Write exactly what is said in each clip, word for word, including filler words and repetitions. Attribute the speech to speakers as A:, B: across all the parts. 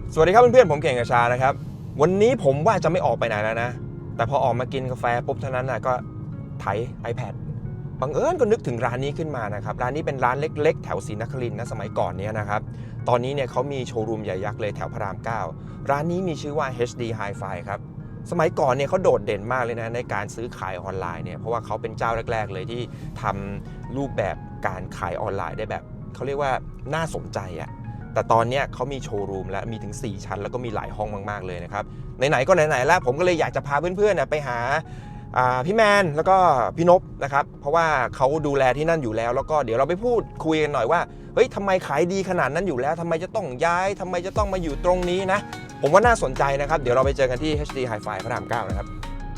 A: สวัสดีครับเพื่อนๆผมเก่งกระชานะครับวันนี้ผมว่าจะไม่ออกไปไหนแล้วนะแต่พอออกมากินกาแฟปุ๊บเท่านั้นนะก็ไถ iPad บังเอิญก็นึกถึงร้านนี้ขึ้นมานะครับร้านนี้เป็นร้านเล็กๆแถวศรีนครินทร์นะสมัยก่อนนี้นะครับตอนนี้เนี่ยเขามีโชว์รูมใหญ่ยักษ์เลยแถวพระรามเก้าร้านนี้มีชื่อว่า เอช ดี Hi-Fi ครับสมัยก่อนเนี่ยเขาโดดเด่นมากเลยนะในการซื้อขายออนไลน์เนี่ยเพราะว่าเขาเป็นเจ้าแรกๆเลยที่ทำรูปแบบการขายออนไลน์ได้แบบเขาเรียกว่าน่าสนใจอะแต่ตอนนี้เขามีโชว์รูมแล้วมีถึงสี่ชั้นแล้วก็มีหลายห้องมากๆเลยนะครับไหนๆก็ไหนๆแล้วผมก็เลยอยากจะพาเพื่อนๆไปหาพี่แมนแล้วก็พี่นพนะครับเพราะว่าเขาดูแลที่นั่นอยู่แล้วแล้วก็เดี๋ยวเราไปพูดคุยกันหน่อยว่าเฮ้ยทำไมขายดีขนาดนั้นอยู่แล้วทำไมจะต้องย้ายทำไมจะต้องมาอยู่ตรงนี้นะผมว่าน่าสนใจนะครับเดี๋ยวเราไปเจอกันที่ เอช ดี Hi-Fi พระรามเก้านะครับ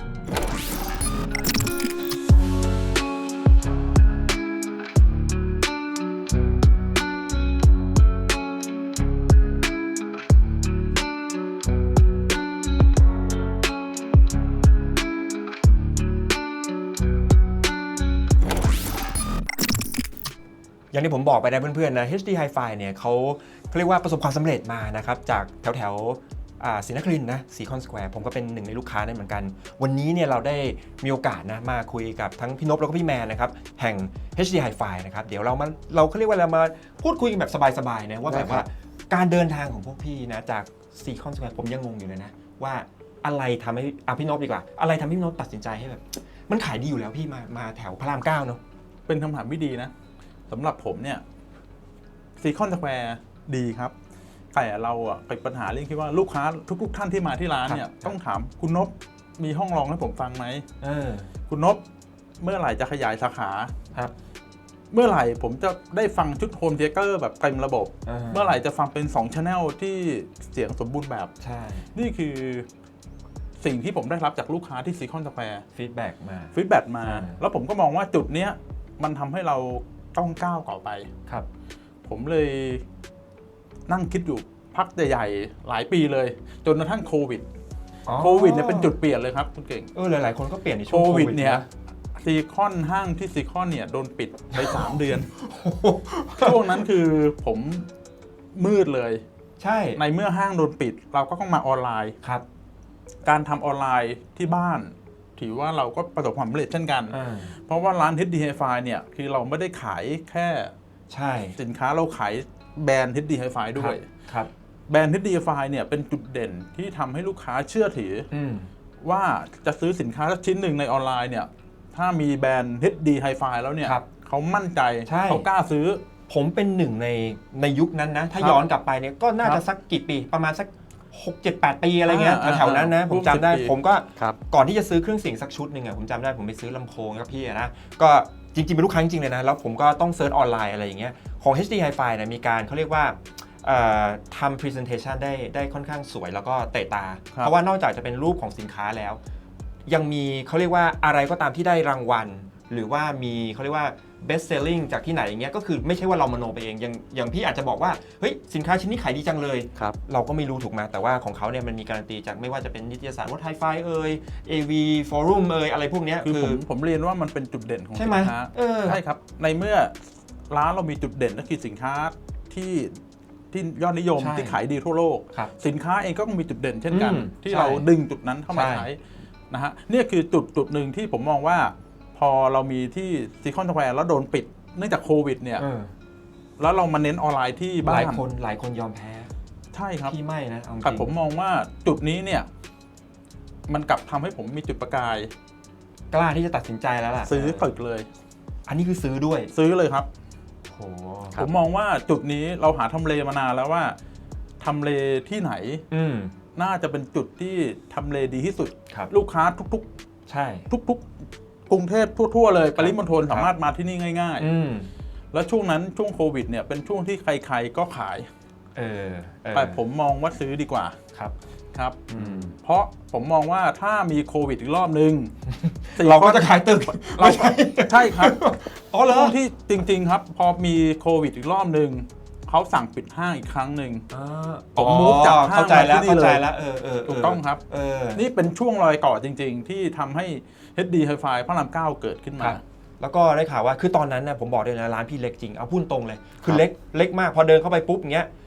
A: อย่างที่ผมบอกไปนะเพื่อนๆนะ เอช ดี Hi-Fi เนี่ยเขาเขาเรียกว่าประสบความสำเร็จมานะครับจากแถวแถวศรีนครินทร์นะซีคอนสแควร์ผมก็เป็นหนึ่งในลูกค้านั่นเหมือนกันวันนี้เนี่ยเราได้มีโอกาสนะมาคุยกับทั้งพี่นพแล้วก็พี่แมนนะครับแห่ง เอช ดี Hi-Fi นะครับเดี๋ยวเรามาเราเขาเรียกว่าเรามาพูดคุยกันแบบสบายๆนะว่าแบบว่าการเดินทางของพวกพี่นะจากซีคอนสแควร์ผมยังงงอยู่เลยนะว่าอะไรทำให้อ่ะพี่นพดีกว่าอะไรทำให้พี่นพตัดสินใจให้แบบมันขายดีอยู่แล้วพี่มามาแถวพระรามเก้าเนาะ
B: เป็นคำถามที่ดีนะสำหรับผมเนี่ยซีคอนสแควร์ดีครับแต่เราอ่ะเป็นปัญหาเรื่องที่ว่าลูกค้าทุกๆท่านที่มาที่ร้านเนี่ยต้องถามคุณนพมีห้องรองให้ผมฟังไหมคุณนพเมื่อไหร่จะขยายสาขาครับเมื่อไหร่ผมจะได้ฟังชุดโฮมเทเตอร์แบบเต็มระบบเมื่อไหร่จะฟังเป็นสอง channel ที่เสียงสมบูรณ์แบบใช่นี่คือสิ่งที่ผมได้รับจากลูกค้าที่ซีคอนสแควร์
A: ฟีดแบ็กมา
B: ฟีดแบ็กมาแล้วผมก็มองว่าจุดเนี้ยมันทำให้เราต้องก้าวต่อไปครับผมเลยนั่งคิดอยู่พักใหญ่ๆหลายปีเลยจนกระทั่งโควิดโควิดเนี่ยเป็นจุดเปลี่ยนเลยครับคุณเก่ง
A: เออหลายๆคนก็เปลี่ยนในช่วง
B: โควิดเนี่ยซีคอนห้างที่ซีคอนเนี่ยโดนปิดไปสามเดือนช่วงนั้นคือผมมืดเลยใช่ในเมื่อห้างโดนปิดเราก็ต้องมาออนไลน์ครับการทำออนไลน์ที่บ้านถือว่าเราก็ประสบความสำเร็จเช่นกันเพราะว่าร้าน เอช ดี Hi-Fi เนี่ยคือเราไม่ได้ขายแค่ใช่สินค้าเราขายแบรนด์ เอช ดี Hi-Fi ด้วยครับแบรนด์ เอช ดี Hi-Fi เนี่ยเป็นจุดเด่นที่ทำให้ลูกค้าเชื่อถือว่าจะซื้อสินค้าสักชิ้นหนึ่งในออนไลน์เนี่ยถ้ามีแบรนด์ เอช ดี Hi-Fi แล้วเนี่ยเขามั่นใจเขากล้าซื้อ
A: ผมเป็นหนึ่งในในยุคนั้นนะถ้าย้อนกลับไปเนี่ยก็น่าจะสักกี่ปีประมาณสักหก เจ็ด แปด ปีอะไรเงี้ยแถวๆนั้นนะผมจำได้ผมก็ก่อนที่จะซื้อเครื่องเสียงสักชุดหนึ่งอ่ะผมจำได้ผมไปซื้อลำโพงกับพี่นะก็จริงๆเป็นลูกค้าจริงๆเลยนะแล้วผมก็ต้องเซิร์ชออนไลน์อะไรอย่างเงี้ยของ เอช ดี Hi-Fi เนี่ยมีการเขาเรียกว่าทำ presentation ได้ได้ค่อนข้างสวยแล้วก็เตะตาเพราะว่านอกจากจะเป็นรูปของสินค้าแล้วยังมีเขาเรียกว่าอะไรก็ตามที่ได้รางวัลหรือว่ามีเขาเรียกว่า best selling จากที่ไหนอย่างเงี้ยก็คือไม่ใช่ว่าเรามโนไปเองอย่างอย่างพี่อาจจะบอกว่าเฮ้ยสินค้าชิ้นนี้ขายดีจังเลยเราก็ไม่รู้ถูกไหมแต่ว่าของเขาเนี่ยมันมีการันตีจากไม่ว่าจะเป็นนิตยสารวัด Hi-Fi เอ่ย เอ วี Forum เอ่ยอะไรพวกนี้
B: คือผมผมเรียนว่ามันเป็นจุดเด่นของสินค้าใช่ครับในเมื่อร้านเรามีจุดเด่นก็คือสินค้าที่ที่ยอดนิยมที่ขายดีทั่วโลกสินค้าเองก็มีจุดเด่นเช่นกันที่เราดึงจุดนั้นเข้ามาใช้นะฮะนี่คือจุดจุดหนึ่งที่ผมมองว่าพอเรามีที่ซีคอนสแควร์แล้วโดนปิดเนื่องจากโควิดเนี่ยแล้วเรามาเน้นออนไลน์ที่บ้าน
A: หลายคนหลายคนยอมแพ้
B: ใช่ครับ
A: พี่ไม่นะ
B: แต่ผมมองว่าจุดนี้เนี่ยมันกลับทำให้ผมมีจุดประกาย
A: กล้าที่จะตัดสินใจแล้วล่ะ
B: ซื้อตึกเลย
A: อันนี้คือซื้อด้วย
B: ซื้อเลยครับโอ้ผมมองว่าจุดนี้เราหาทำเลมานานแล้วว่าทำเลที่ไหนน่าจะเป็นจุดที่ทำเลดีที่สุดลูกค้าทุกๆใช่ทุกๆกรุงเทพทั่วๆเลยปริมณฑลสามารถมาที่นี่ง่ายๆแล้วช่วงนั้นช่วงโควิดเนี่ยเป็นช่วงที่ใครๆก็ขายเออแต่ผมมองว่าซื้อดีกว่าครับครับเพราะผมมองว่าถ้ามีโควิดอีกรอบนึง
A: เราก็จะขายตึก
B: เราใช่ครับอ๋อเหรอที่จริงๆครับพอมีโควิดอีกรอบนึงเขาสั่งปิดห้างอีกครั้งหนึ่ง
A: ผมมูฟจากห้างมาที่นี่เลย
B: ถูกต้องครับนี่เป็นช่วงรอยต่อจริงๆที่ทำให้ เอช ดี Hi-Fi พระรามเก้าเกิดขึ้นมา
A: แล้วก็ได้ข่าวว่าคือตอนนั้นนะผมบอกเลยนะร้านพี่เล็กจริงเอาพูดตรงเลยคือเล็กเล็กมากพอเดินเข้าไปปุ๊บเงี้ย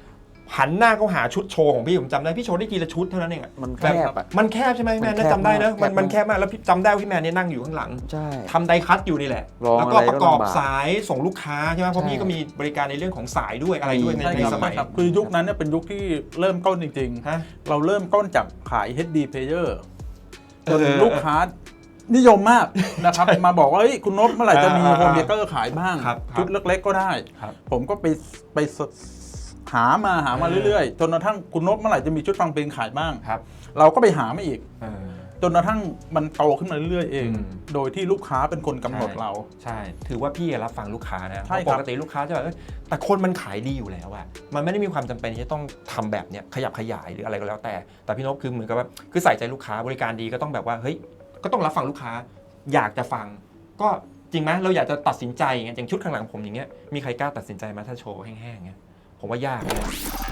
A: หันหน้าเขาหาชุดโชว์ของพี่ผมจำได้พี่โชว์ได้ทีละชุดเท่านั้นเองอะ
C: มันแค
A: แบบ
C: บอ่ะ
A: มันแคบใช่ไหมพี่แมน
C: มันแคบ
A: น่าจำได้นะ
C: มาก
A: มันมัน
C: แค
A: แค
C: บบ มาก
A: มากแล้วพี่จำได้ว่าพี่แมนเนี่ยนั่งอยู่ข้างหลัง
C: ใช่
A: ทำไดคัตอยู่นี่แหละ
C: รอง
A: แล้วก็
C: อะไรก็
A: ประกอบ
C: ลำบาก
A: สายส่งลูกค้าใช่ไหมเพราะ
C: ใช่
A: พี่ก็มีบริการในเรื่องของสายด้วยอะไรด้วยใน
B: ใช่
A: ใน
B: ครับ
A: สมัย
B: ใช่ครับคือยุคนั้นเนี่ยเป็นยุคที่เริ่มต้นจริง
A: ฮะ
B: ๆ เราเริ่มต้นจากขาย เอช ดี Player จน
A: เออ
B: ลูกค้านิยมมากนะครับ มาบอกว่าเฮ้ยคุณนพเมื่อไหร่จะมี
A: อ่า
B: โฮมเทเตอร์ขายบ้าง
A: ครับ
B: ชุดเล็กๆก็ได้
A: ครับ
B: ผมก็ไปไปหามาหามา
A: เออ
B: เรื่อยๆ จนกระทั่งคุณนพเมื่อไหร่จะมีชุดฟังเพลงขายบ้าง
A: ครับ
B: เราก็ไปหามาอีก
A: เออ
B: จนกระทั่งมันโตขึ้นมาเรื่อยๆเอง
A: อืม
B: โดยที่ลูกค้าเป็นคนกำหนด
A: ใช่
B: เรา
A: ใช่ ถือว่าพี่รับฟังลูกค้านะ
B: ใช่
A: เพราะ
B: ครับ
A: ปกติลูกค้าจะแบบเอ้ยแต่คนมันขายดีอยู่แล้วอะมันไม่ได้มีความจำเป็นที่จะต้องทำแบบเนี้ยขยับขยายหรืออะไรก็แล้วแต่ แต่พี่นพคือเหมือนกับว่าคือใส่ใจลูกค้าบริการดีก็ต้องแบบว่าเฮ้ยก็ต้องรับฟังลูกค้า อยากจะฟัง ก็จริงไหมเราอยากจะตัดสินใจอย่างเงี้ยอย่างชุดข้างหลังผมอย่างเงี้ยมีใครกล้าตัดสินใจไหมถ้าโชว์แห้งๆเงี้ยผมว่ายากเลย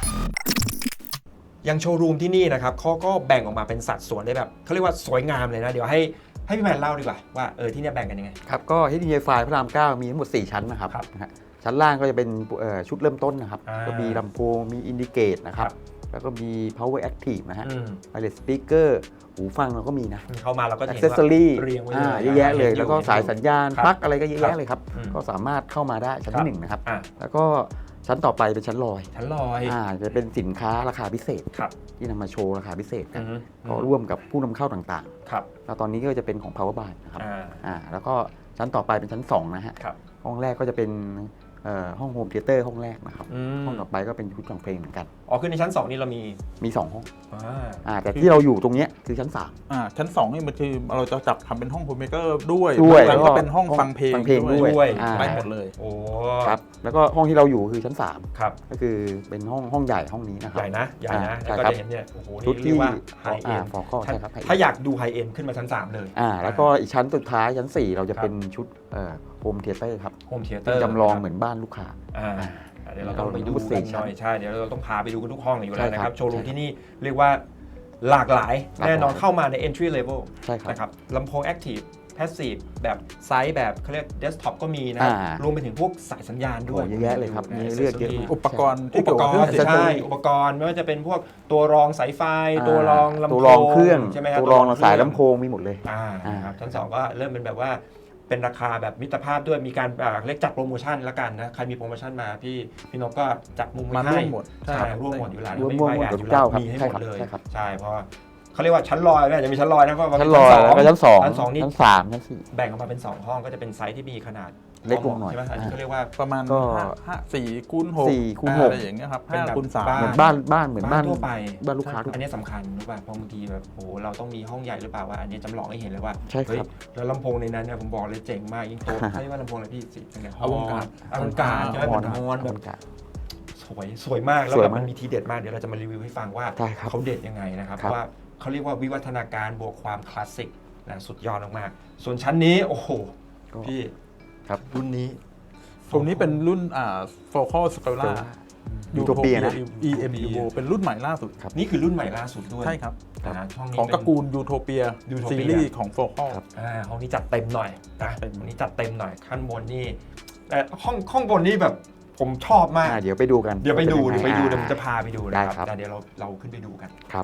A: อย่างโชว์รูมที่นี่นะครับเขาก็แบ่งออกมาเป็นสัดส่วนได้แบบเขาเรียกว่าสวยงามเลยนะเดี๋ยวให้ให้พี่แมนเล่าดีกว่าว่าเออที่เนี่ยแบ่งกันยังไง
C: ครับก็ เอช ดี ไฟ พระรามเก้ามีทั้งหมดสี่ชั้นนะครับ
A: ครับ
C: นะฮะชั้นล่างก็จะเป็นเอ่อชุดเริ่มต้นนะครับ
A: อ่า
C: ก็มีลำโพงมีอินดิเกตนะครับ
A: ครับ
C: แล้วก็มี power active นะฮะ
A: อืม
C: wireless speaker หูฟังเราก็มีนะ
A: เข้ามาเราก็จะเห็นว่า
C: accessory
A: เรียงไว้
C: อ่า
A: เลย
C: เยอะแยะเลย
A: ห็นอยู่
C: แล้วก็สายสัญญาณ
A: ครับ
C: ปลั๊กอะไรก็เยอะ
A: ครับ
C: แยะเลยครับ
A: อืม
C: ก็สามารถเข้ามาได้ชั้น
A: ครับ
C: ที่หนึ่งนะครับ
A: อ่ะ
C: แล้วก็ชั้นต่อไปเป็นชั้นลอย
A: ชั้นลอย
C: อ่าจะเป็นสินค้าราคาพิเศษ
A: ครับ
C: ที่นำมาโชว์ราคาพิเศษ
A: อื
C: กัน
A: อฮึ
C: ก็ร่วมกับผู้นำเข้าต่าง
A: ครับ
C: ๆ แล้วตอนนี้ก็จะเป็นของ power buy นะครับ
A: อ่า
C: อ่าแล้วก็ชั้นต่อไปเป็นชั้นสองนะฮะ
A: ครับ
C: ห้องแรกก็จะเป็นเอ่อห้องโฮมเทเตอร์ห้องแรกนะครับ
A: อืม
C: ห้องต่อไปก็เป็นชุดฟังเพลงเหมือนกัน
A: อ๋อคือในชั้นสองนี่เรามี
C: มีสองห้อง
A: อ่า
C: อ่าแต่ที่เราอยู่ตรงเนี้ยคือชั้นสาม
B: อ่าชั้นสองนี่มันคือเราจะจับทำเป็นห้องโฮมเมเกอร์ด้วย
C: ด้วย
B: แล้ว
C: แล้วก็
B: ก็เป็นห้องฟังเพลง
C: ฟังเพลงด้วย
A: ด้วย
C: อ่า
B: ได้หมดเลย
A: โอ้
C: ครับแล้วก็ห้องที่เราอยู่คือชั้นสาม
A: ครับ
C: ก็คือเป็นห้องห้องใหญ่ห้องนี้นะครั
A: ใหญ่นะใหญ่นะ
C: อ่า
A: แล้วก็
C: ใช่ครับ
A: จะเห็นเนี่ยโอ้โห
C: ชุด
A: นี่เรีย
C: ที่
A: กว่าไฮเอ็
C: อ่าน ฟอร์ก็ใช่ครับ high end
A: ถ้าอยากดูไฮเอ็นขึ้นมาชั้นสามเลย
C: อ่าแล้วก็อีกชั้นสุดท้ายชั้นสี่เราจะเป็นชุดโฮมเทเตอร์ครับ
A: โฮมเทเตอ
C: เป็น
A: ร์
C: จำลองเหมือนบ้านลูกค้า
A: อ่า
C: อ่า
A: เดี๋ยวเราต้องไปดู
C: เรา
A: กัน
C: ชั้
A: ห
C: น
A: น่อยใช่เดี๋ยวเราต้องพาไปดูกันทุกห้องอยู่แล้ว
C: ใช่
A: นะค
C: ครั
A: รับบ โชว์รูม
C: ใช่
A: ที่นี่เรียกว่าหลากหลาย
C: หลากหลาย
A: แน่นอนเข้ามาใน entry level
C: ใช่ครับ
A: นะครับลำโพง active passive แบบไซส์แบบเขาเรียก desktop ก็มีนะครับ
C: อ่าร
A: วมไปถึงพวกสายสัญญาณด้วย
C: โอ้เยอะแยะเลยครับ
A: ดู
C: มีเลือกเยอะ
A: accessory
C: มาก
B: อุปกรณ์ที่
A: อุป
B: เกี่ยว
A: ก
B: กับ
A: ร
B: เครื่อง
A: ณ์
B: เสียง
A: ใช่อุปกรณ์ไม่ว่าจะเป็นพวกตัวรองสายไฟ
C: อ่า
A: ตัวรองลำโพง
C: ตัวรองเครื่อง
A: ใช่ไหมครับ
C: ตัวรองสายลำโพงมีหมดเลย
A: อ่า
C: อ่า
A: ครับชั้นสองก็เริ่มเป็นแบบว่าเป็นราคาแบบมิตรภาพด้วยมีการอ่าเรียกจัดโปรโมชั่นแล้วกันนะใครมีโปรโมชั่นมาพี่พี่นกก็จัดมุม
B: มา
A: ไว้
B: ร่ว
A: ให้
B: มหมด
A: ใช่
B: ครับ
A: ร่วมหมดอยู่แล้ว
C: ร่วม
A: ไม่
C: ร่วม
A: ไม่
C: หมด
A: แอ
C: กับ
A: อยู่
C: เจ้า
A: แล้ว
C: ครับ
A: มีให้
C: ใช่
A: หม
C: ครับ
A: ดเลย
C: ใช่ครับ
A: ใช่เพราะว่าเขาเรียกว่าชั้นลอยไม่อาจจะมีชั้นลอยนะเพราะว่า
C: ชั้นลอยแล้วก็ชั้นสอง
A: ชั้นสองนี่
C: ชั้นสามชั้นสี่
A: แบ่งออกมาเป็นสองห้องก็จะเป็นไซส์ที่มีขนาด
C: เล็กลงหน่อย
A: ใช่ไหมอันนี้เขาเรียกว่า
B: ประมาณ
C: ก็
B: ห้าห้าสี่คูณหก
C: สี่คูณหก
B: อะไรอย่างเงี้ยครับ
A: เป็น
B: ห้า
A: แบบ
B: คูณสาม
A: บ้
C: เหมือนบ้านบ้านเหมือนบ้าน
A: ทั่วไป
C: บ้านลูกค้าทุก
A: อันนี้สำคัญรู้ป่ะเพราะบางทีแบบโอ้โหเราต้องมีห้องใหญ่หรือเปล่าว่าอันนี้จำลองให้เห็นเลยว่า
C: ใช่ครับ
A: เฮ้ยแล้วลำโพงในนั้นเนี่ยผมบอกเลยเจ๋งมากยิ่งโตใช่ว่าลำโพงอะไรพี่สิเป็นไง
B: อวกาศ
A: อวกาศใช่ไหม
C: ฮอ
A: มัน นฮอนแบบ
C: กาศ
A: สวยสวยมากแล้ว
C: สวย
A: แบบ
C: มาก
A: มันมีทีเด็ดมากเดี๋ยวเราจะมารีวิวให้ฟังว่า
C: ใช่ครับ
A: เขาเด็ดยังไงนะครับ
C: ครับ
A: ว่าเขาเรียกว่าวิวัฒนาการบวกความคลาสสิกนะสุดยอดมากๆส่วนชั้นนี้โอ้โห
C: ก็
A: พี่
C: ครับ
A: รุ่นนี้
B: ตรงนี้เป็นรุ่นอ่า Focal Scala
C: Utopia นะ
B: อี เอ็ม Evo เป็นรุ่นใหม่ล่าสุด
A: นี่คือรุ่นใหม่ล่าสุดด้วย
B: ใช่ครับ
A: นะช่องนี้
B: ของตระ
A: เป็น
B: กูล Utopia
A: Utopia
B: ซีรีส์ของ Focal
C: ครับ
A: อ่าห้องนี้จัดเต็มหน่อยนะ
B: เต็ม
A: ห้องนี้จัดเต็มหน่อยขั้นบนนี่แต่ห้องห้องบนนี่แบบผมชอบมาก
C: อ่าเดี๋ยวไปดูกัน
A: เดี๋ยวไปดู
C: ป็
A: เดี๋ย
C: น
A: วไป
C: งง
A: ดู
C: อ่า
A: เดี๋ยวผมจะพาไปดูนะ
C: ได้
A: ค
C: ครั
A: รับบ แต่เดี๋ยวเราเราขึ้นไปดูกัน
C: ครับ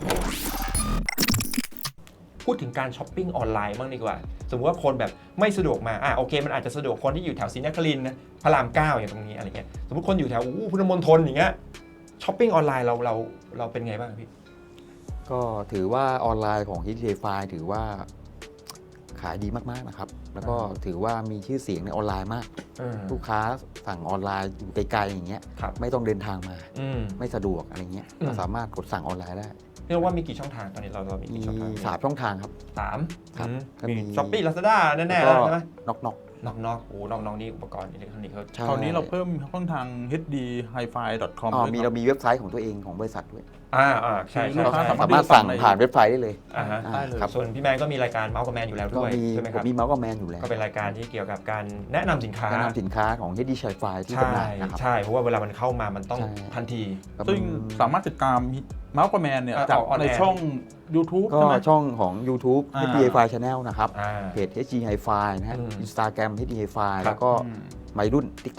A: พูดถึงการช้อปปิ้งออนไลน์บ้างดีกว่า สมมติว่าคนแบบไม่สะดวกมาอ่ะโอเคมันอาจจะสะดวกคนที่อยู่แถวศรีนครินทร์นะพระรามเก้าอย่างตรงนี้อะไรเงี้ยสมมติคนอยู่แถวอู้พุทธมณฑลอย่างเงี้ยช้อปปิ้งออนไลน์เราเราเราเป็นไงบ้างพี่
C: ก็ถือว่าออนไลน์ของ เอช ดี ไฟ ถือว่าขายดีมากๆนะครับ แล้วก็ถือว่ามีชื่อเสียงในออนไลน์มาก
A: เออ
C: ลูกค้าสั่งออนไลน์อยู่ไกลๆอย่างเงี้ย
A: ครับ
C: ไม่ต้องเดินทางมา
A: อืม
C: ไม่สะดวกอะไรเงี้ย
A: อืม
C: ก็สามารถกดสั่งออนไลน์ได้
A: เรียกว่ามีกี่ช่องทางตอนนี้เราเรามี
C: มี
A: กี่ช่องทาง
C: สามช่องทางครับ
A: สาม
C: ครับ
A: อืม
C: ก็
A: มี
C: มี
A: ช้อปปี้ลาซาด้าแน่ๆ
C: แล้
A: แล้ว
C: วก็
A: ใช่ไหม
C: น็อกน็อก
A: นอกนอกโอ้นอกนอกนี่อุปกรณ์อิเล็กทรอนิกส์เขา
C: ใช่
B: คราวนี้เราเพิ่มช่องทาง เอช ดี ไฮไฟ ดอท คอม
C: อ๋อ
B: ด้วย
C: มี
B: ค
C: เรา
B: รับ
C: มีเว็บไซต์ของตัวเองของบริษัทด้วย
A: อ่าอ่าใช่
B: คือ
A: ใช่
B: ลูกค้า
A: ใช่
B: สามารถ
C: สามารถสั่งผ่านเว็บไซต์ได้เลย
A: อ่าฮะ
C: อ่า
B: ได้เลย
C: ครับ
A: ส่วนพี่แมนก็มีรายการเมาส์กับแมนอยู่แล้ว
C: ก็
A: ด้วย
C: มี
A: ใช่ไหม
C: ผ
A: ครั
C: ม
A: บ
C: มีเมาส์กับแมนอยู่แล้ว
A: ก็เป็นรายการที่เกี่ยวกับการแนะนำสินค้า
C: แนะนำสินค้าของ เอช ดี ไฟ ที่
A: ใช่
C: จำหน่ายนะครับ
A: ใช่เพราะว่าเวลามันเข้ามามันต้อง
C: ใช่
A: ทันที
B: ซึ่งสามารถติดตามเมาส์กับแมนเนี่ย
A: อ่า
B: จาก
A: ออก on
B: ใน
A: air
B: ช่อง YouTube
C: ก็
B: ใช่ไหม
C: ช่องของ YouTube
B: อ่า
C: เอช ดี ไฟ Channel นะครับ
A: อ่า
C: เพจ เอช ดี Hi-Fi นะฮะ
A: อืม
C: Instagram เอช ดี Hi-Fi
A: ครับ
C: แล้วก็
B: อืม
C: วัยรุ่น TikTok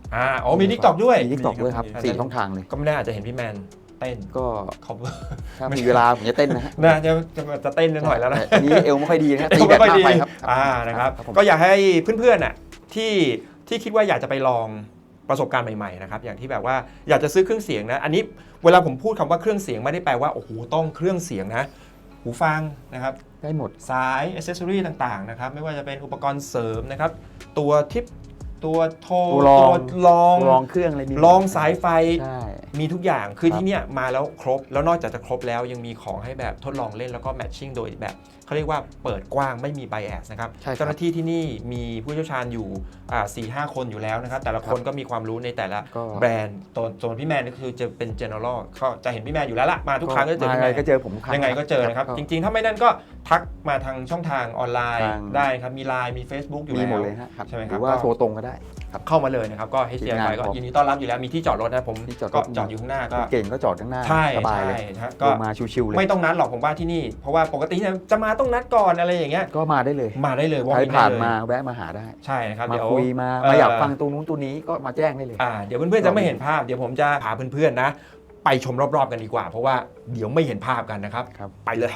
A: อ่าอ๋อมี TikTok ด้วย
C: มี TikTok ด้วยครับ
A: อันนั้น
C: สี่ช่องทางเลย
A: ก็ไม่แน่อาจจะเห็นพี่แมนเต้น
C: ก็
A: cover
C: ถ้ามีเวลาผมจะเต้นนะฮะ
A: น่าจะจะจะเต้นนิดหน่อยแล้วนะ
C: แต่อันนี้เอวไม่ค่อยดีนะฮะ
A: เอ
C: ตี
A: ว
C: แบ
A: ไม่
C: บ
A: ค่อย
C: มาก
A: ดี
C: ไปครับ
A: อ่านะครับ
C: ครับผม
A: ก็อยากให้เพื่อนๆน่ะที่ที่คิดว่าอยากจะไปลองประสบการณ์ใหม่ๆนะครับอย่างที่แบบว่าอยากจะซื้อเครื่องเสียงนะอันนี้เวลาผมพูดคำว่าเครื่องเสียงไม่ได้แปลว่าโอ้โหต้องเครื่องเสียงนะหูฟังนะครับ
C: ได้หมด
A: สายอ c เซสซอรีต่างๆนะครับไม่ว่าจะเป็นอุปกรณ์เสริมนะครับตัวทิปตัวโทร
C: ตัวรอง
A: ลอง
C: ลองเครื่องอะไรมี
A: ลองสายไฟ
C: ใช่
A: มีทุกอย่างคือ
C: ครับ
A: ที่เนี่ยมาแล้วครบแล้วนอกจากจะครบแล้วยังมีของให้แบบทดลองเล่นแล้วก็แมทชิ่งโดยแบบเขาเรียกว่าเปิดกว้างไม่มีไบแอสนะครับ
C: ใช่ครับ
A: เจ้าหน้าที่ที่นี่มีผู้เชี่ยวชาญอยู่สี่ห้าคนอยู่แล้วนะครับแต่ละคนก็มีความรู้ในแต่ละ
C: ก็
A: แบรนด์ตัวส่วนพี่แมนนี่คือจะเป็น general ก็จะเห็นพี่แมนอยู่แล้วล่ะมาทุกครั้งก็เจอ
C: มา
A: พี่แม
C: ไง
A: น
C: ก็เจอผมทุกครั้ง
A: ยังไงก็เจอนะครับ
C: ก็
A: จริงๆ ถ้าไม่นั่นก็ทักมาทางช่องทางออนไลน์
C: ทาง
A: ได้ครับมี ไลน์ มี Facebook อยู่
C: มี
A: แล้ว
C: หมดเลยฮะครับ
A: ใช่ไหมค
C: ห
A: รับ
C: รือว่า
A: ก็
C: โทรตรงก็ได้ครับ
A: เข้ามาเลยนะครับก็ เอช ดี ไอ
C: ทีมงาน
A: ก็
C: ผม
A: ยินดีต้อนรับอยู่แล้วมีที่จอดรถนะผม
C: ที่จอดรถ
A: ก็จอดอยู่ข้างหน้าก็
C: เก่งก็จอดข้างหน้า
A: ใช่
C: สบายเลย
A: ใช่ฮะ
C: ล
A: ก็
C: งมาชิวๆเลย
A: ไม่ต้องนัดหรอกผมว่าที่นี่ เพราะว่าปกติเนี่ยจะมาต้องนัดก่อนอะไรอย่างเงี้ย
C: ก็มาได้เลย
A: มาได้เลย
C: ใคร
A: walk in
C: ผ่าน
A: ได้เลย
C: มาแวะมาหาได้
A: ใช่นะครับ
C: มา
A: เดี๋ยว
C: คุยมา
A: เอ่อ
C: มาอยากฟังตรงนู้นตัวนี้ก็มาแจ้งได้เลย
A: อ่าเดี๋ยวเพื่อนๆจะไม่เห็นภาพเดี๋ยวผมจะพาเพื่อนๆนะไปชมรอบๆกันดีกว่า เพราะว่าเดี๋ยวไม่เห็นภาพกันนะครับ
C: ครับ
A: ไปเลย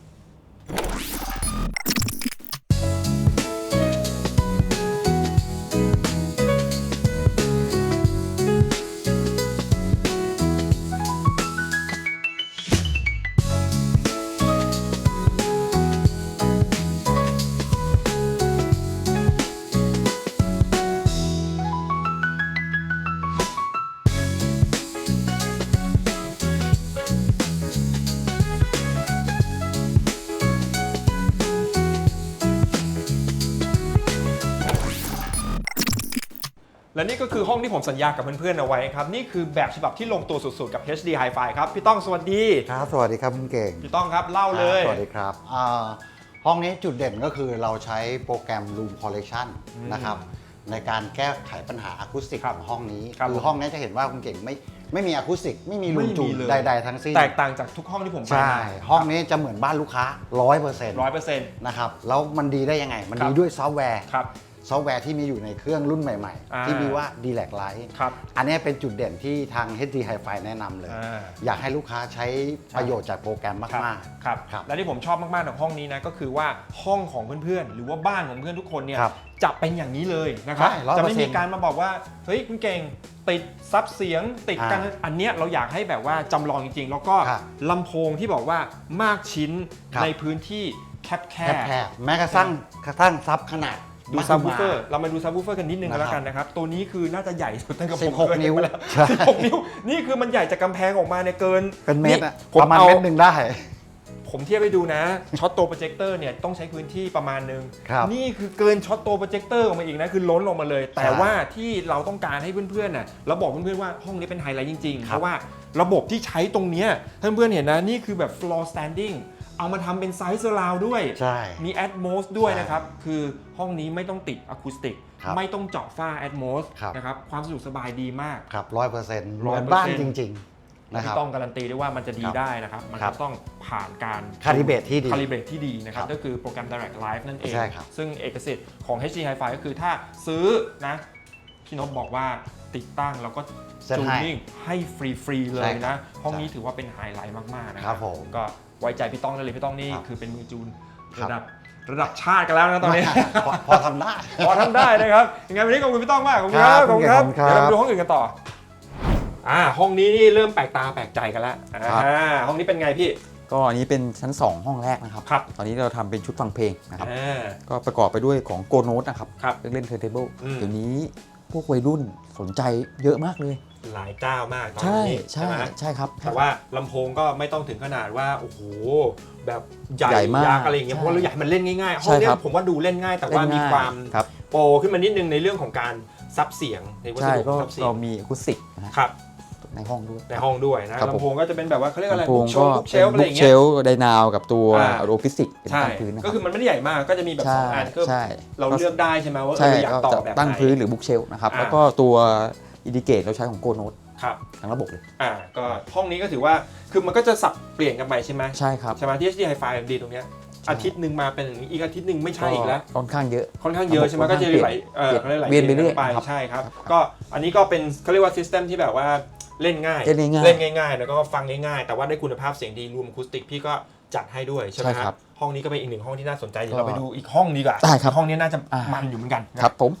A: และนี่ก็คือห้องที่ผมสัญญากับเพื่อนๆเอาไว้ครับนี่คือแบบฉบับที่ลงตัวสุดๆกับ เอช ดี Hi-Fi ครับพี่ต้องสวัสดี
D: ครับสวัสดีครับคุณเก่ง
A: พี่ต้องครับเล่าเลย
D: สวัสดีครับอ่าห้องนี้จุดเด่นก็คือเราใช้โปรแกรม Room Correction
A: อืม นะครับ
D: ในการแก้ไขปัญหาอะคูสติก
A: ครับ
D: ของห้องนี้
A: ครับ
D: คือห้องนี้จะเห็นว่าคุณเก่งไม่ไม่มีอะคูสติกไม่มีรู
A: ไม่มี
D: จูน
A: เลย
D: ใดๆทั้งสิ้น
A: แตกต่างจากทุกห้องที่ผมไป
D: ใช่ ห้องนี้จะเหมือนบ้านลูกค้า ร้อยเปอร์เซ็นต์
A: ร้อยเปอร์เซ็นต์
D: นะครับแล้วมันดีได้ยังไง มัน
A: ครับ
D: ดีด้วยซอฟต์แวร์
A: ครับ
D: ซอฟต์แวร์ที่มีอยู่ในเครื่องรุ่นใหม่
A: อ่า
D: ๆ ที่มีว่า ดี แแลก Lite
A: ครับ
D: อันนี้เป็นจุดเด่นที่ทาง เอช ดี Hi-Fi แนะนำเลย
A: อ่า
D: อยากให้ลูกค้าใช้ประโยชน์จากโปรแกรม
A: ครับ
D: มาก
A: ครับ
D: ครับ
A: และที่ผมชอบมากๆของห้องนี้นะก็คือว่าห้องของเพื่อนๆ หรือว่าบ้านของเพื่อนทุกคนเนี่ย
D: ครับ
A: จะเป็นอย่างนี้เลยนะครับ
D: ใช่ร้อยเปอร์เซ็นต์
A: จะไม่มีการมาบอกว่าเฮ้ยคุณเก่งติดซับเสียงติดกัน
D: อ่า
A: อันเนี้ยเราอยากให้แบบว่าจำลองจริงๆ แล้วก็
D: ครับ
A: ลำโพงที่บอกว่ามากชิ้น
D: ครับ
A: ในพื้นที่แคบ
D: แคบๆแม้กระทั่งกระทั่งซับขนาด
A: ๆดูซับวูฟเฟอร์เรามาดูซับวูฟเฟอร์กันนิดนึง
D: นะครับ
A: แล้วกันนะครับตัวนี้คือน่าจะใหญ่สุดตั้งแต่ผม
D: สิบหก
A: เคย
D: นิ้ว
A: เห็มาแล้ว
D: ใช่
A: สิบหกนิ้วนี่คือมันใหญ่จากกำแพงออกมาเนี่ยเกิน
D: เป็นเมตรอะ
A: ผม
D: ประมาณ
A: เอา
D: เมตรหนึ่งได้
A: ผมเทียบไปดูนะ ช็อตโตโปรเจคเตอร์เนี่ยต้องใช้พื้นที่ประมาณนึง
D: ครับ
A: นี่คือเกินช็อตโตโปรเจคเตอร์ออกมาอีกนะ คือล้นลงมาเลย แต่ว่าที่เราต้องการให้เพื่อนๆน่ะเราบอกเพื่อนๆว่าห้องนี้เป็นไฮไลท์จริงๆ
D: ค
A: เพ
D: รับ
A: ราะว่าระบบที่ใช้ตรงเนี้ยท่านเพื่อนเห็นนะ นี่คือแบบ floor standing เอามาทำเป็นไซส์ surround ด้วย
D: ใช่
A: มี Atmos ด้วย
D: ใช่
A: นะครับ คือห้องนี้ไม่ต้องติดอะคูสติก
D: ครับ
A: ไม่ต้องเจาะฝ้า Atmos
D: ครับ
A: นะครับความสะดวกสบายดีมาก
D: ครับร้อยเปอร์เซ็นต์เห
A: ร้อย
D: มือน
A: เปอร์
D: บ้าน
A: เซ็นต์
D: จริง ๆ นะครับ
A: ที่ต้องการันตีได้ว่ามันจะดี
D: ครับ
A: ได้นะครับ มัน
D: ครั
A: จะ
D: บ
A: ต้องผ่านการ
D: Calibrate ที่ดี
A: คาลิเบรตที่ดีนะครับ
D: ครับ
A: ก็คือโปรแกรม Direct Live นั่นเอง
D: ใช่ครับ
A: ซึ่งเอกสิทธิ์ของ เอช ดี Hi-Fi ก็คือถ้าซื้อนะพี่นพบอกว่าติดตั้งแล้วก็
D: เซ็น
A: จูน
D: ให้
A: นิ่งให้ฟรี ๆ เล
D: ใช่
A: ย
D: ครั
A: นะ
D: บ
A: ห้องนี้
D: ใช่
A: ถือว่าเป็นไฮไลท์มาก ๆ นะค
D: ครั
A: รับบ
D: ผม
A: ก็ไว้ใจพี่ต้องได้เลยพี่ต้องนี่
D: ครับ
A: คือเป็นมือจูน
D: ครับ
A: ระดับระดับชาติกันแล้วนะตอนนี้
D: พอพอทำได้
A: พอทำได้นะครับยังไงวันนี้ขอบคุณพี่ต้องมากขอบคุณครับ
D: ครับ
A: ขอบคุณครับ
D: ขอบคุณครับ
A: เดี๋ยวเราไปดูห้องอื่นกันต่ออ่าห้องนี้นี่เริ่มแปลกตาแปลกใจกันแล้ว
D: ครับ
A: อ่าห้องนี้เป็นไงพี่
C: ก็อันนี้เป็นชั้น สอง ห้องแรกนะครับ
A: ครับ
C: ตอนนี้เราทำเป็นชุดฟังเพลงนะครับ
A: อ่า
C: ก็ประกอบไปด้วยของโกโน t นะครับ
A: ครับ
C: เครื่องเล่นเทอร์เทเบิล
A: อืม
C: เดี๋ยวนี้พวกวัยรุ่นสนใจเยอะมากเลย
A: หลายเจ้ามากตอน
C: ใช่
A: นี้
C: ใช่
A: ไหม
C: ใช่ครับ
A: แต่ว่าลำโพงก็ไม่ต้องถึงขนาดว่าโอ้โหแบบใหญ่
C: ใหญ่มาก
A: ยักษ์อะไรอย่างเงี้ยเพ
C: ใช่
A: ราะว่าเราอยากให้มันเล่นง่ายๆห้
C: ใช่
A: องเนี้
C: ค
A: ย
C: รับ
A: ผมว่าดูเล่นง่าย แต่ว่า
C: เล่น
A: มี
C: ง่ย
A: ความ
C: ครับ
A: โปรขึ้นมานิดนึงในเรื่องของการซับเสียงในวัส
C: ใช่
A: ดุ
C: ก็
A: ซับเสีย
C: เรา
A: ง
C: มีอะคูสติกนะฮะ
A: ครับ
C: ในห้องด้วย
A: ในห้องด้วยนะครับ
C: ผม
A: ลำโพงก็จะเป็นแบบว่าเขาเรียกอะไร
C: ลำโพ
A: บุ๊
C: ง
A: กเช
C: ก็
A: ลบุ๊กเช
C: เป็น
A: ลอะไรอ
C: บุ๊ก
A: ย่าง
C: เช
A: เงี้ย
C: ลไดนาวกับตัว
A: อ่า
C: โรฟิสิกเป็น
A: ใช่
C: ตั้งพื้นนะค
A: ก็
C: รับ
A: คือมันไม่ได้ใหญ่มากก็จะมีแบบส
C: ใช่
A: องอันก็
C: ใช่
A: เราเลือกได้ใช่ไหมว่าเอ
C: ใช่
A: ออยาก
C: ก็
A: ต่อ
C: จะ
A: แบบ
C: ตั้ง
A: ไหน
C: พื้นหรือบุ๊กเชลนะครับ
A: อ่า
C: แล้วก็ตัวอินดิเกตเราใช้ของโกโน t
A: ครับ
C: ทั้งระบบเลย
A: อ่าก็ห้องนี้ก็ถือว่าคือมันก็จะสับเปลี่ยนกันไปใช่ไหม
C: ใช่ครับ
A: ใช่ไหมที่ เอช ดี Hi-Fi ดีตรงเนี้ยอาทิตย์หนึ่งมาเป็นอย่างนี้อีกอาทิตย์หนึ่งไม่ใช่อีกแล้ว
C: ค่อนข้างเยอะ
A: ค่อนข้างเยอะใช่ไหม
C: ค่อน
A: ก็
C: ข้าง
A: จะไหลเออ
C: เปลี่ยน
A: ไหล
C: เวียนไปเรื่อย
A: ไป
C: ครับ
A: ใช่ครับ
C: ครับ
A: ก็อันนี้ก็เป็นเขาเรียกว่าซิสเต็มที่แบบว่าเล่นง่าย
C: เล่นง่ายๆ
A: เล่นง่ายๆแล้วก็ฟังง่ายๆแต่ว่าได้คุณภาพเสียงดีรวมอะคูสติกพี่ก็จัดให้ด้วยใช่ไหม
C: ใช่ครับ
A: ห้องนี้ก็เป็นอีกหนึ่งห้องที่น่าสนใจเดี๋ยว
C: ก็
A: เราไปดูอีกห้องดีกว่า
C: ได้ครับ
A: ห้องนี้น่าจะ
C: อ่ามั
A: มันอยู่เหมือนกัน
C: ครับผม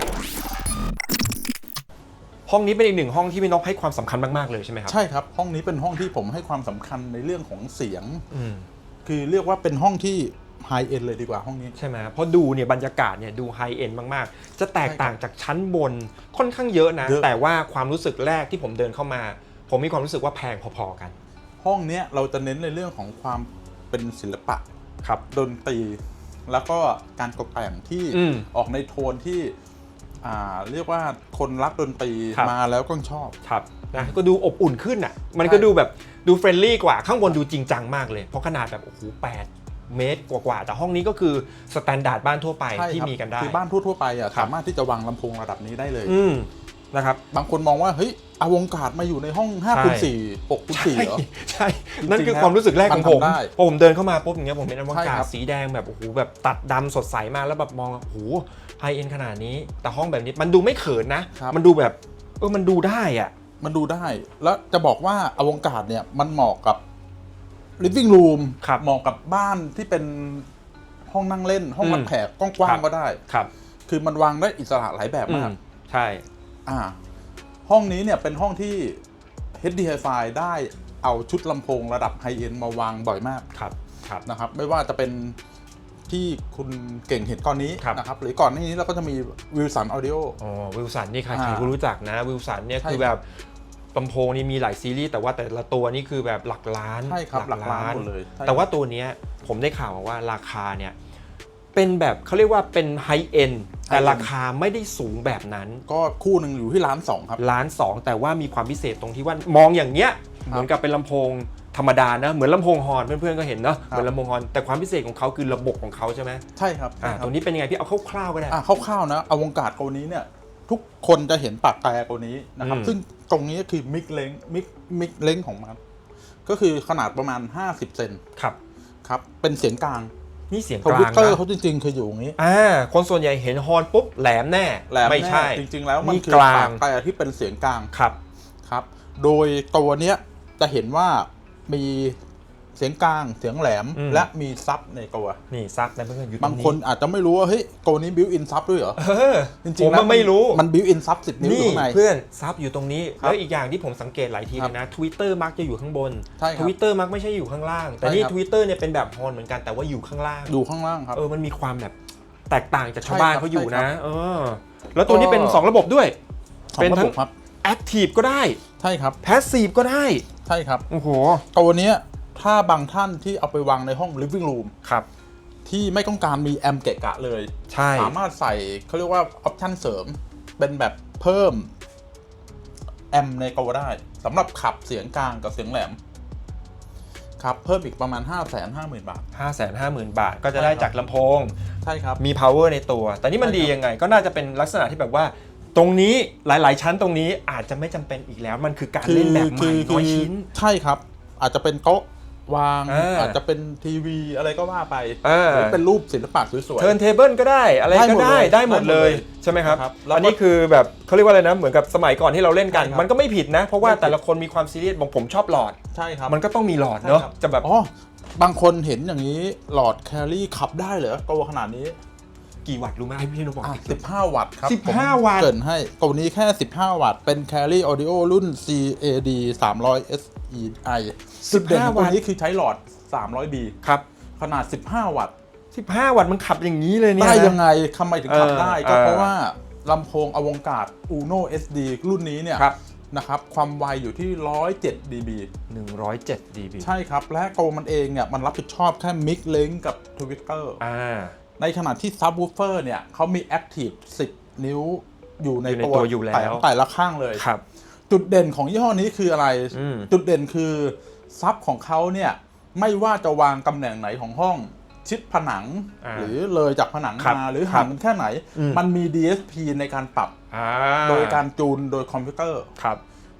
A: ห้องนี้เป็นอีกหนึ่งห้องที่พี่นกให้ความสำคัญมากๆเลยใช่ไหมครับ
B: ใช่ครับห้องนี้เป็นห้องที่ผมให้ความสำคัญในเรื่องของเสียง
A: อืม
B: คือเรียกว่าเป็นห้องที่ไฮเอ็นเลยดีกว่าห้องนี้
A: ใช่ไหมเพราะดูเนี่ยบรรยากาศเนี่ยดูไฮเอ็นมากๆ จะแตกต่างจากชั้นบนค่อนข้างเยอะนะ
B: เยอะ
A: แต่ว่าความรู้สึกแรกที่ผมเดินเข้ามา ผมมีความรู้สึกว่าแพงพอๆกัน
B: ห้องเนี้ยเราจะเน้นในเรื่องของความเป็นศิลปะ
A: ครับ
B: ดนตรี แล้วก็การตกแต่งที่
A: อืม
B: ออกในโทนที่อ่าเรียกว่าคนรักดนตรี
A: ครับ
B: มาแล้วก็ชอบ
A: ครับนะก็ดูอบอุ่นขึ้นอ่ะมันก็ดูแบบดูเฟรนลี่กว่าข้างบนดูจริงจังมากเลยเพราะขนาดแบบโอ้โหแปดเมตรกว่าๆแต่ห้องนี้ก็คือสแตนดาร์ดบ้านทั่วไป
B: ใช่
A: ที่
B: ครับ
A: มีกันได้
B: คือบ้านทั่วๆไปอ่ะ
A: ครับ
B: สามารถที่จะวางลำโพงระดับนี้ได้เลย
A: อืมนะครับ
B: บางคนมองว่าเฮ้ยเอาวงการมาอยู่ในห้องห้าคูณสี่ หกคูณสี่เหรอ
A: ใช่
B: จริงๆ
A: นั่นคือความรู้สึกแรกของผม
B: มันทำได้
A: พอผมเดินเข้ามาปุ๊บอย่างเงี้ยผมเป็นอว
B: ใช่
A: กาศ
B: ครับ
A: สีแดงแบบโอ้โหแบบตัดดำสดใสมากแล้วแบบมองโอ้โหไฮเอ็นขนาดนี้แต่ห้องแบบนี้มันดูไม่เขินนะ มันดูแบบเออมันดูได้อ่ะ
B: มันดูได้ แล้วจะบอกว่าอวกาศเนี่ยมันเหมาะกับ living room
A: ครับ
B: เหมาะกับบ้านที่เป็นห้องนั่งเล่น ห้องรับ
A: อืม
B: แขกกว้างๆก็ได้
A: ครับ
B: คือมันวางได้อิสระหลายแบบ
A: อื
B: มาก
A: มใช่
B: อ่า ห้องนี้เนี่ยเป็นห้องที่ เอช ดี Hi-Fi ได้เอาชุดลำโพงระดับไฮเอ็นมาวางบ่อยมาก
A: ครับครับ
B: นะครับ ไม่ว่าจะเป็นที่คุณเก่งเห็นก่อนนี้
A: ครับ
B: นะครับ หรือก่อนหน้านี้เราก็จะมี Wilson Audio
A: อ๋อวิลสันนี่ใคร
B: อ่า
A: ใครก็รู้จักนะวิลสันเนี่ย
B: ใช่
A: คือแบบลำโพงนี่มีหลายซีรีส์แต่ว่าแต่ละตัวนี่คือแบบหลักล้าน
B: ใช่ครับหลักล้านหมดเลยใช่
A: แต่ว่าตัวเนี้ยผมได้ข่าวมาว่าราคาเนี่ยเป็นแบบเขาเรียกว่าเป็นไฮเอ็นแต่ราคาไม่ได้สูงแบบนั้น
B: ก็คู่หนึ่งอยู่ที่ล้านสองครับ
A: ล้านสองแต่ว่ามีความพิเศษตรงที่ว่ามองอย่างเงี้ยเหมือนกับเป็นลำโพงธรรมดานะเหมือนลำโพงฮอร์นเพื่อนๆก็เห็นเนาะเหมือนลำโพงฮอร์นแต่ความพิเศษของเขาคือระบบของเขาใช่ไหม
B: ใช่ครับ
A: อ่า
B: ใช่ค
A: ต
B: รับ
A: รงนี้เป็นยังไงพี่เอาคร่าวๆก็ได้
B: อ่ะคร่าวๆนะอวกาศตัวนี้เนี่ยทุกคนจะเห็นปากแตรตัวนี้นะครับ
A: อืม
B: ซึ่งตรงนี้ก็คือมิกเลงมิกมิกเลงของมันก็คือขนาดประมาณห้าสิบเซน
A: ครับ
B: ครับเป็นเสียงกลาง
A: นี่เสียง
B: ท
A: กลา
B: วิต
A: ง
B: เตอร์
A: นะ
B: เขาจริงๆคืออยู่อย่างนี้
A: อ่าคนส่วนใหญ่เห็นฮอร์นปุ๊บแหลมแน่
B: แหลม
A: ไม่ใช่
B: แน่จริงๆแล้วมัน
A: นี่
B: คือก
A: ลาง
B: ปากแตรที่เป็นเสียงกลาง
A: ครับ
B: ครับ โดยตัวเนี้ยจะเห็นว่ามีเสียงกลางเสียงแหลม
A: อืม
B: และมีซับในตัว
A: นี่ซับนะเพื่อนๆอยู่ตรงนี้
B: บางคนอาจจะไม่รู้ว่าเฮ้ยตัวนี้บิวอินซับด้วยเหรอ
A: เออ
B: จริง
A: ผม
B: ๆแล้ว
A: ว่าไม่รู้
B: มันบิวอินซับสิบนิ้วอยู่
A: นี่
B: ข้างใน
A: เพื่อนซับอยู่ตรงนี้
B: ครับ
A: แล้วอีกอย่างที่ผมสังเกตหลายทีเลยนะ Twitter มักจะอยู่ข้างบน
B: ใช่ครับ
A: Twitter มักไม่ใช่อยู่ข้างล่าง แต่
B: ใช่
A: นี่
B: ครับ
A: Twitter เนี่ยเป็นแบบฮอร์นเหมือนกันแต่ว่าอยู่ข้างล่าง
B: อยู่ข้างล่างครับ
A: เออมันมีความแบบแตกต่างจากชาวบ้าน
B: ใช่ครับ
A: เขาอยู่
B: ใช่ครั
A: นะ
B: บ
A: เออแล้วตัวนี้เป็นสองระบบด้วย
B: สอง
A: เป็น
B: ระ
A: ทั้
B: บ
A: ง
B: บครับ
A: Active ก็ได้
B: ใช่ครับ
A: Passive ก็ได้
B: ใช่ครับ
A: โอ้โห
B: ตัวเนี้ยถ้าบางท่านที่เอาไปวางในห้อง living room
A: ครับ
B: ที่ไม่ต้องการมีแอมป์เกะกะเลย
A: ใช่
B: สามารถใส่เขาเรียกว่าออปชันเสริม เป็นแบบเพิ่มแอมป์ในตัวได้สำหรับขับเสียงกลางกับเสียงแหลม ครับเพิ่มอีกประมาณ ห้าแสนห้าหมื่น บาท
A: ห้าแสนห้าหมื่น บาทก็จะได้จากลำโพง
B: ใช่ครับ
A: มี power ในตัว แต่นี่มัน
B: ใช่ครับ
A: ดียังไง ก็น่าจะเป็นลักษณะที่แบบว่า ตรงนี้หลายๆ ชั้นตรงนี้อาจจะไม่จำเป็นอีกแล้ว มันคือการเล่นแบบใหม่น้อยชิ้น
B: ใช่ครับ อาจจะเป็นโต๊ะวาง
A: เอออ
B: อาจจะเป็นทีวีอะไรก็ว่าไป
A: เออ
B: หรือเป็นรูปศิลปะสวย
A: เทิร์นเทเบิลก็ได้อะไรก็ได้
B: ได้
A: ได้ห
B: ห
A: ม
B: ม
A: ด
B: ด
A: เล
B: เลย ย
A: ใช่ไหมครับ
B: ครับแล้วก็
A: อันนี้คือแบบเขาเรียกว่าอะไรนะ เหมือนกับสมัยก่อนที่เราเล่นกัน
B: ใช่ครับ
A: มันก็ไม่ผิดนะ เพราะว่า
B: ไม่ผิด
A: แต่ละคนมีความซีเรียสบางผมชอบหลอด
B: ๆ ใช่ครับ
A: มันก็ต้องมีหลอดเนาะ
B: ใช่ครับ
A: จะแบบ
B: อ๋อบางคนเห็นอย่างนี้หลอดแคลรี่ขับได้เหรอโตขนาดนี้
A: กี่วัตต์รู้ไหมให้พี่นุบอก
B: อ่ะ
A: อีก
B: สิบห้า วัตต์ครับ
A: สิบห้า
B: ผม
A: วัตต์
B: เกรินให้ตัวนี้แค่ สิบห้า วัตต์ เป็น Carry Audio รุ่น ซี เอ ดี สามร้อย เอส อี ไอ จุดเด่นของตัวนี้คือใช้หลอด สามร้อยบี
A: ครับ
B: ขนาด สิบห้า วัตต์
A: สิบห้า วัตต์มันขับอย่างนี้เลยเนี่ย
B: ได้
A: นะ
B: ยังไงทำไมถึงขับ
A: เออ
B: ได้ ก็
A: เออ
B: เพราะว่าลำโพงอวกาศ Uno เอส ดี รุ่นนี้เนี่ย
A: ครับ
B: นะครับความไวอยู่ที่ หนึ่งร้อยเจ็ด ดี บี
A: หนึ่งร้อยเจ็ด ดี บี
B: ใช่ครับ และตัวมันเองเนี่ยมันรับผิดชอบแค่ Mix Link กับ Twitter
A: อ่า
B: ในขณะที่ Subwoofer เนี่ยเขามี Active สิบ นิ้วอยู่ใน
A: อยู่ใน
B: ตัว
A: ตัวอยู่แล้ว
B: แต่แต่ละข้างเลย
A: ครับ
B: จุดเด่นของยี่ห้อนี้คืออะไร
A: อืม
B: จุดเด่นคือซับของเขาเนี่ยไม่ว่าจะวางตำแหน่งไหนของห้องชิดผนัง
A: อ่า
B: หรือเลยจากผนัง
A: ครับ
B: มาหรือ
A: ครั
B: ห่า
A: บ
B: งกันแค่ไหน
A: อืม
B: มันมี ดี เอส พี ในการปรับ
A: อ่า
B: โดยการจูนโดยคอมพิวเตอร์
A: ครับ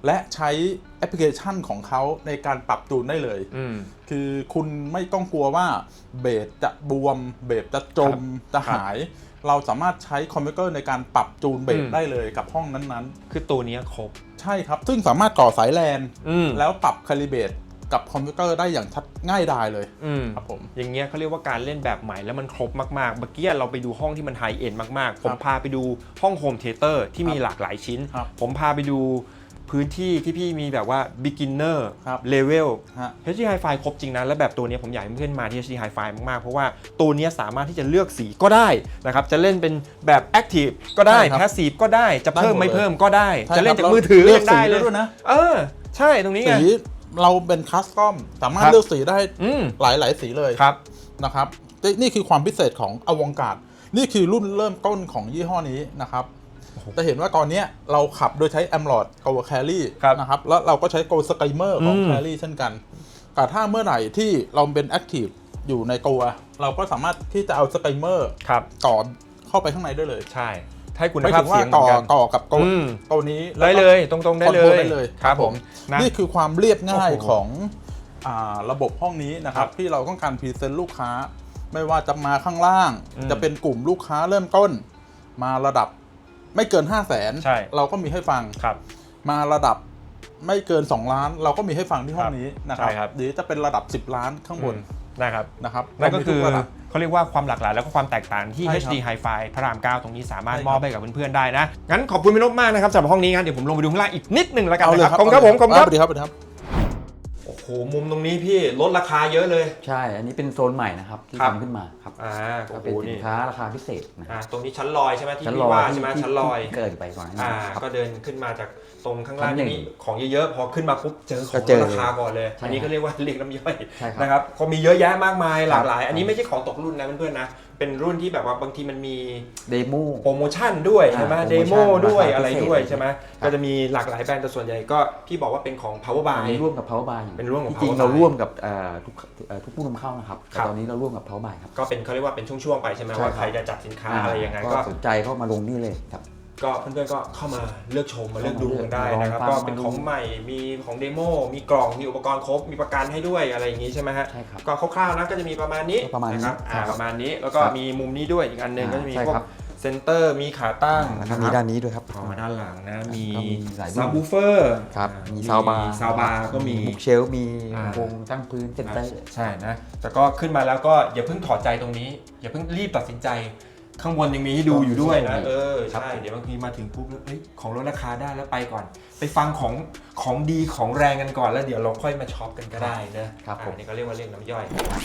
B: และใช้แอปพลิเคชันของเขาในการปรับจูนได้เลย
A: อืม
B: คือคุณไม่ต้องกลัวว่าเบสจะบวม เบสจะจมจะหาย เราสามารถใช้คอมพิวเตอร์ในการปรับจูนเบ
A: อื
B: ส
A: ม
B: ได้เลยกับห้องนั้นๆ
A: คือตัวเนี้ยครบ
B: ใช่ครับ ซึ่งสามารถต่อสายแลน
A: อืม
B: แล้วปรับคาลิเบรตกับคอมพิวเตอร์ได้อย่างชัดง่ายดายเลย
A: อืม
B: ครับผม
A: อย่างเงี้ยเขาเรียกว่าการเล่นแบบใหม่แล้วมันครบมากๆ เมื่อกี้เราไปดูห้องที่มันไฮเอ็นมากๆ ผมพาไปดูห้องโฮมเทเตอร์ที่มีหลากหลายชิ้น
B: ครับ
A: ผมพาไปดูพื้นที่ที่พี่มีแบบว่า beginner
B: ครับ
A: level
B: ฮะ
A: เอช ดี Hi-Fi ครบจริงนะ และแบบตัวนี้ผมอยากให้เพื่อนๆมาที่ เอช ดี Hi-Fi มากๆ เพราะว่าตัวนี้สามารถที่จะเลือกสีก็ได้นะครับ จะเล่นเป็นแบบ Active ก็ได้
B: ใช่ครับ
A: Passive ก็ได้ จะเพิ่ม
B: ได้หมด
A: ไม่
B: เลย
A: เพิ่มก็ได้
B: ใช่
A: จะเล่น
B: ครับ
A: จากมือถือ
B: เลือก
A: ยังได้
B: สี
A: เล
B: ได้
A: ย
B: ด้วยนะ
A: เออ ใช่ตรงนี้ไง
B: สีเราเป็นคัสตอมสามารถ
A: ครับ
B: เลือกสีได้
A: อืม
B: หลายหลายๆสีเลย
A: ครับ
B: นะครับนี่คือความพิเศษของอวงการนี่คือรุ่นเริ่มต้นของยี่ห้อนี้นะครับจะเห็นว่าตอนนี้เราขับโดยใช้ a m l o d Go Carry
A: ครับ
B: นะครับแล้วเราก็ใช้ Go Skymer ของ
A: อืม
B: Carry เช่นกันแต่ถ้าเมื่อไหร่ที่เราเป็น Active อยู่ในตัวเราก็สามารถที่จะเอา Skymer
A: ครับ
B: ต่อเข้าไปข้างในได้เลย
A: ใช่ให้คุณ
B: ไม่
A: ภาพ
B: ถึงว่า
A: เสียงเหมื
B: ต่
A: อ
B: อน
A: กัน
B: ต่อกับ Go
A: อืม
B: ตัวนี้
A: ได้เลยตรงๆได้เล
B: คอนโทรล
A: ย
B: ได้เลย
A: ครับผมนะ
B: นี่คือความเรียบง่าย
A: โอ้โห
B: ของอ่าระบบห้องนี้นะครั
A: ครับ บ
B: ที่เราต้องการพรีเซนต์ลูกค้า ไม่ว่าจะมาข้างล่าง
A: อืม
B: จะเป็นกลุ่มลูกค้าเริ่มต้น มาระดับไม่เกิน ห้าแสน
A: ใช่
B: เราก็มีให้ฟัง
A: ครับ
B: มาระดับไม่เกิน สองล้าน เราก็มีให้ฟังที่ห้องนี้นะครับ
A: ใช่ครับ
B: หรือจะเป็นระดับ สิบล้านข้างบน
A: นะครับ
B: นะครับ
A: นั่นก็คือ
B: เรามีทุระดับ
A: เขาเรียกว่าความหลากหลายแล้วก็ความแตกต่างที่
B: ใช่ครับ
A: เอช ดี Hi-Fi พระรามเก้าตรงนี้สามารถ
B: ใช่ครับ
A: มอบให้กับเพื่อนๆได้นะ งั้นขอบคุณพี่นพมากนะครับสำหรับห้องนี้งั้นเดี๋ยวผมลงไปดูข้างล่างอีกนิดหนึงแล้วกัน
B: เอาเลย
A: นะค
B: ค
A: รั
B: รั
A: บบ ขอบคุณครับผมขอบคุณครับ
B: สวัสดีครับสวัสดีครับ
A: โอ้โหมุมตรงนี้พี่ลดราคาเยอะเลย
C: ใช่ อันนี้เป็นโซนใหม่นะครับที่
A: ครับ
C: ทำขึ้นมาครับ
A: อ่า
C: ก็
A: โอ้โห
C: เป็นสิ
A: นี่
C: นค้าราคาพิเศษนะค
A: อ่า
C: รับ
A: ตรงนี้ชั้นลอยใช่ไหมที่
C: ชั้น
A: พี่
C: ลอย
A: ว่า
C: ที่
A: ใช่ไหม
C: ที่
A: ชั้นลอย
C: ที่เกิดไปก่อนหน้า
A: อ่า
C: นี้ครับ
A: ก็เดินขึ้นมาจากตรงข้างล่าง
C: ชั้นหนึ่ง
A: นี่ของเยอะๆพอขึ้นมาปุ๊บเจอขอ
C: ก็
A: ง
C: เจอ
A: ราคาก่อนเลย
C: ใช่
A: อันนี้ก็เรียกว่าเรียกน้ำย่อย
C: ใช่ครับ
A: นะครับก็มีเยอะแยะมากมายหลากหลาย
C: ครับ
A: อันนี้ไม่ใช่ของตกรุ่นนะเพื่อนๆนะเป็นรุ่นที่แบบว่าบางทีมันมี
C: เดโม
A: โปรโมชั่นด้วย
C: อ่า
A: ใช่ไหม
C: โปร
A: เด
C: โมชั่น
A: โมด้วย
C: ราคา
A: อะไร
C: พิเศษ
A: ด้วยใช่ไหม
C: ครับ
A: ก็จะมีหลากหลายแบรนด์แต่ส่วนใหญ่ก็พี่บอกว่าเป็นของ power
C: อั
A: buy
C: นนี้ร่วมกับ Power Buy
A: เป็นร่วมกับ
C: จริง
A: Power
C: ๆเรา
A: Buy
C: ร่วมกับเอ่อทุกเอ่อทุกผู้นำเข้านะครับ
A: ค
C: แต่
A: รับ
C: ตอนนี้เราร่วมกับ Power Buy ครับ
A: ก็เป็นเขาเรียกว่าเป็นช่วงๆไปใช่ไหม
C: ใช่
A: ว่า
C: ครับ
A: ใครจะจัดสินค้าอะไรยังไงก็
C: สนใจเข้ามาลงนี่เลยครับ
A: ก็เพื่อนๆก็เข้ามาเลือกชมมาเลือกดูกันได้นะครับ
C: ลองฟัง
A: ก็เป็นของใหม่มีของเดโมมีกล่องมีอุปกรณ์ครบมีประกันให้ด้วยอะไรอย่างนี้ใช่ไหมฮะ
C: ใช่ครับ
A: ก็คร่าวๆนะก็จะมีประมาณนี้
C: ประมาณนี้
A: นะครับอ่า
C: ครับ
A: ประมาณนี้แล้วก็
C: ครับ
A: มีมุมนี้ด้วยอีกอันหนึง
C: อ่า
A: ก็จะมี
C: ใช่
A: พวก
C: ครับ
A: เซนเตอร์มีขาตั้ง
C: แล้วก็มีด้านนี้ด้วยครับ
A: พอมาด้านหลังนะมี
C: ก็มีหลายรุ่น
A: ซับวูเฟอร์
C: ครับมีซาวบาร์
A: ซาวบาร์ก็มี
C: บุกเชลฟ์มี
A: อ่า
C: วงตั้งพื้นเซนเตอร์
A: ใช่นะ แต่ก็ขึ้นมาแล้วก็อย่าเพิ่งถอดใจตรงนี้ อย่าเพิ่งรีบตัดสินใจ ข้างบนยังมีให้ดูอยู่ด้วยนะ เออ
C: ครับ
A: ใช่ เดี๋ยวบางทีมาถึงปุ๊บแล้วเฮ้ยของลดราคาได้แล้วไปก่อน ไปฟังของของดีของแรงกันก่อนแล้วเดี๋ยวเราค่อยมาช็อปกันก็ได้นะครับ
C: ผม
A: อันนี้ก็เรียกว่าเรียกน้ำย่อย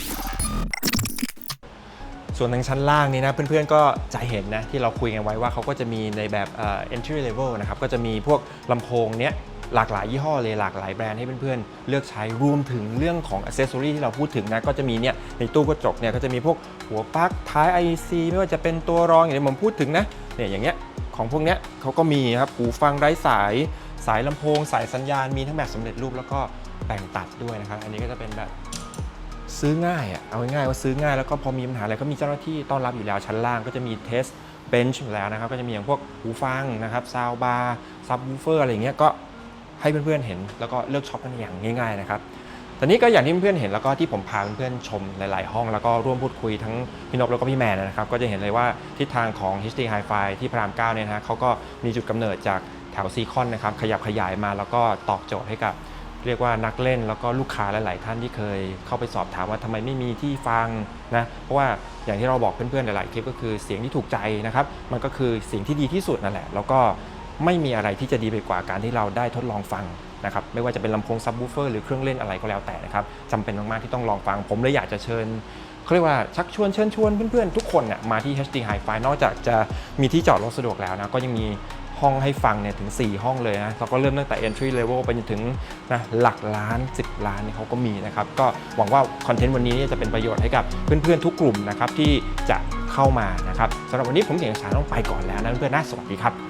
A: ส่วนทางชั้นล่างนี้นะเพื่อนๆก็จะเห็นนะที่เราคุยกันไว้ว่าเขาก็จะมีในแบบเอ่อ entry level นะครับก็จะมีพวกลำโพงเนี้ยหลากหลายยี่ห้อเลยหลากหลายแบรนด์ให้เพื่อนๆเลือกใช้รวมถึงเรื่องของ accessory ที่เราพูดถึงนะก็จะมีเนี่ยในตู้กระจกเนี่ยก็จะมีพวกหัวปลั๊กท้าย ไอ ซี ไม่ว่าจะเป็นตัวรองอย่างที่ผมพูดถึงนะเนี่ยอย่างเงี้ยของพวกเนี้ยเขาก็มีครับหูฟังไร้สายสายลำโพงสายสัญญาณมีทั้งแบบสำเร็จรูปแล้วก็แบ่งตัดด้วยนะครับอันนี้ก็จะเป็นแบบ ซื้อง่ายอ่ะเอาง่ายๆว่าซื้อง่ายแล้วก็พอมีปัญหาอะไรก็มีเจ้าหน้าที่ต้อนรับอยู่แล้วชั้นล่างก็จะมีเทสเบนช์อยู่แล้วนะครับก็จะมีอย่างพวกหูฟังนะครับซาวบาร์ซับวูเฟอร์อะไรอย่างเงี้ยก็ให้เพื่อนๆเห็นแล้วก็เลือกช็อปกันอย่างง่ายๆนะครับตอนนี้ก็อย่างที่เพื่อนๆเห็นแล้วก็ที่ผมพาเพื่อนๆชมหลายๆห้องแล้วก็ร่วมพูดคุยทั้งพี่นพแล้วก็พี่แมนนะครับก็จะเห็นเลยว่าทิศทางของ เอช ดี Hi-Fi ที่พระรามเก้าเนี่ยนะฮะเขาก็มีจุดกำเนิดจากแถวซีคอนนะครับขยับขยายมาแล้วก็ตอบโจทย์ให้กับ เรียกว่านักเล่นแล้วก็ลูกค้าหลายๆท่านที่เคยเข้าไปสอบถามว่าทำไมไม่มีที่ฟังนะเพราะว่าอย่างที่เราบอกเพื่อนๆหลายๆคลิปก็คือเสียงที่ถูกใจนะครับมันก็คือสิ่งที่ดีที่สุดนั่นแหละแล้วก็ไม่มีอะไรที่จะดีไปกว่าการที่เราได้ทดลองฟังนะครับไม่ว่าจะเป็นลำโพงซับวูเฟอร์หรือเครื่องเล่นอะไรก็แล้วแต่นะครับจำเป็นมากๆที่ต้องลองฟังผมเลยอยากจะเชิญเขาเรียกว่าชักชวนเชิญชวนเพื่อนๆทุกคนเนี่ยมาที่ เอช ดี Hi-Fi นอกจากจะมีที่จอดรถสะดวกแล้วนะก็ยังมีห้องให้ฟังเนี่ยถึงสี่ห้องเลยนะเราก็เริ่มตั้งแต่ entry level ไปจนถึงนะหลักล้านสิบล้านเนี่ยเขาก็มีนะครับก็หวังว่าคอนเทนต์วันนี้จะเป็นประโยชน์ให้กับเพื่อนๆทุกกลุ่มนะครับที่จะเข้ามานะครับสำหรับวันนี้ผมเก่งสารต้องไปก่อนแล้วนะเพื่อนๆนะสวัสดีครับ